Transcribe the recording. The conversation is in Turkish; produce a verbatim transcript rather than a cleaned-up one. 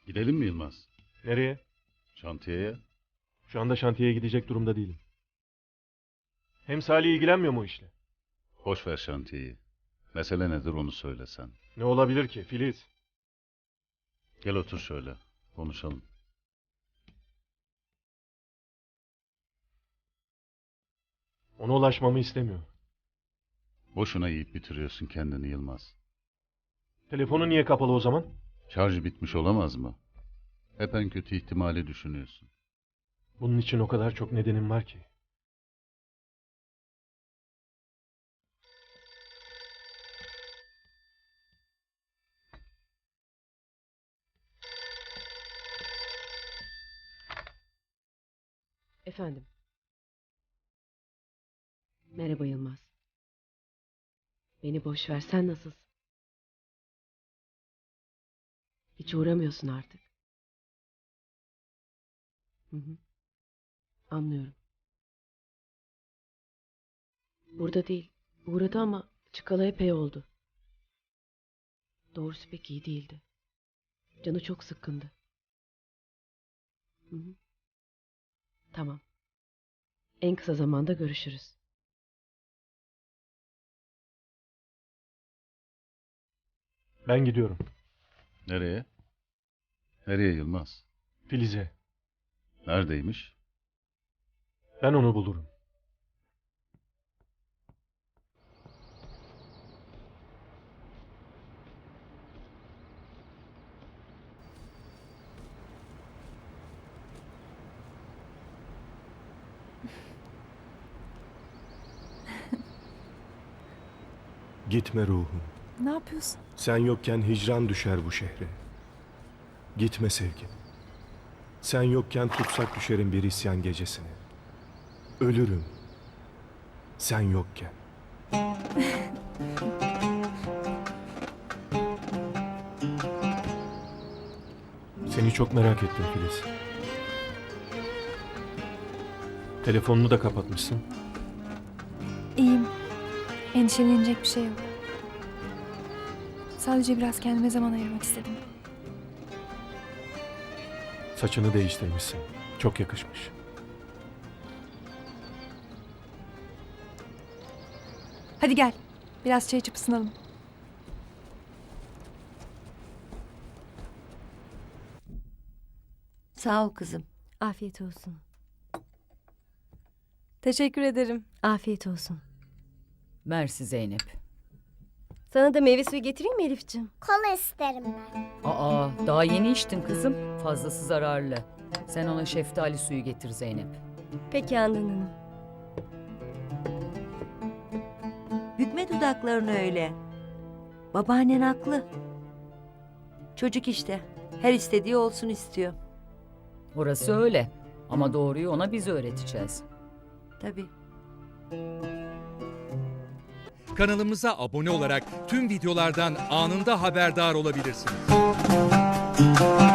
Gidelim mi Yılmaz? Nereye? Şantiyeye. Şu anda şantiyeye gidecek durumda değilim. Hem Salih ilgilenmiyor mu o işle? Boş ver şantiyeyi. Mesele nedir onu söylesen. Ne olabilir ki Filiz? Gel otur şöyle. Konuşalım. Ona ulaşmamı istemiyor. Boşuna yiyip bitiriyorsun kendini Yılmaz. Telefonu niye kapalı o zaman? Şarjı bitmiş olamaz mı? Hep en kötü ihtimali düşünüyorsun. Bunun için o kadar çok nedenim var ki. Efendim. Merhaba Yılmaz. Beni boş ver, sen nasılsın? Hiç uğramıyorsun artık. Hı hı. Anlıyorum. Burada değil. Uğradı ama çıkalı epey oldu. Doğrusu pek iyi değildi. Canı çok sıkkındı. Hı hı. Tamam. En kısa zamanda görüşürüz. Ben gidiyorum. Nereye? Nereye Yılmaz? Filiz'e. Neredeymiş? Ben onu bulurum. Gitme ruhum. Ne yapıyorsun? Sen yokken hicran düşer bu şehre. Gitme sevgim. Sen yokken tutsak düşerim bir isyan gecesine. Ölürüm. Sen yokken. Seni çok merak ettim Filiz. Telefonunu da kapatmışsın. İyiyim. Endişelenecek bir şey yok. Sadece biraz kendime zaman ayırmak istedim. Saçını değiştirmişsin. Çok yakışmış. Hadi gel. Biraz çay içip ısınalım. Sağ ol kızım. Afiyet olsun. Teşekkür ederim. Afiyet olsun. Mersi Zeynep. Sana da meyve suyu getireyim mi Elifciğim? Kola isterim ben. Aa, daha yeni içtin kızım. Fazlası zararlı. Sen ona şeftali suyu getir Zeynep. Peki Handan Hanım. Bükme dudaklarını öyle. Babaannen haklı. Çocuk işte. Her istediği olsun istiyor. Orası öyle. Ama doğruyu ona biz öğreteceğiz. Tabii. Kanalımıza abone olarak tüm videolardan anında haberdar olabilirsiniz.